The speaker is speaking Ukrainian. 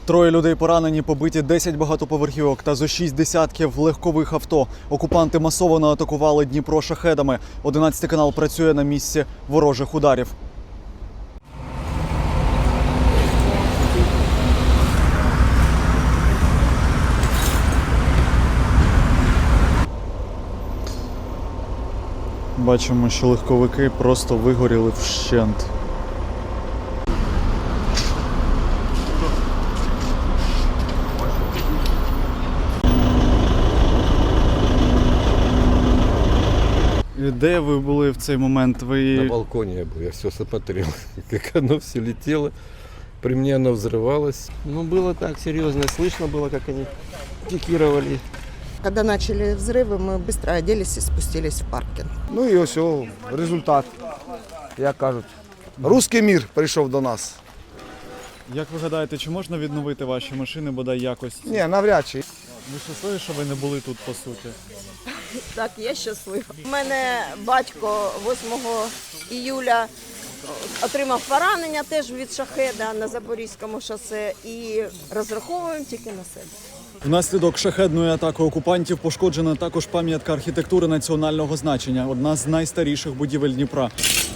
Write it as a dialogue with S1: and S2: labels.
S1: Троє людей поранені, побиті 10 багатоповерхівок та зо 6 десятків легкових авто. Окупанти масово атакували Дніпро шахедами. 11 канал працює на місці ворожих ударів. Бачимо, що легковики просто вигоріли вщент. Де ви були в цей момент?
S2: На балконе я был, я все смотрел, как оно все летело. При мне оно взрывалось.
S3: Ну, было так серьезно, слышно было, как они пикировали.
S4: Когда начали взрывы, мы быстро оделись и спустились в паркинг.
S5: Ну і ось результат, як кажуть. Руський мір прийшов до нас.
S1: Як ви гадаєте, чи можна відновити ваші машини, бодай якось?
S5: Ні, навряд чи.
S1: Ви щасливі, що ви не були тут, по суті?
S6: Так, я щаслива. У мене батько 8 іюля отримав поранення теж від шахеда на Запорізькому шосе і розраховуємо тільки на себе.
S1: Внаслідок шахедної атаки окупантів пошкоджена також пам'ятка архітектури національного значення, одна з найстаріших будівель Дніпра.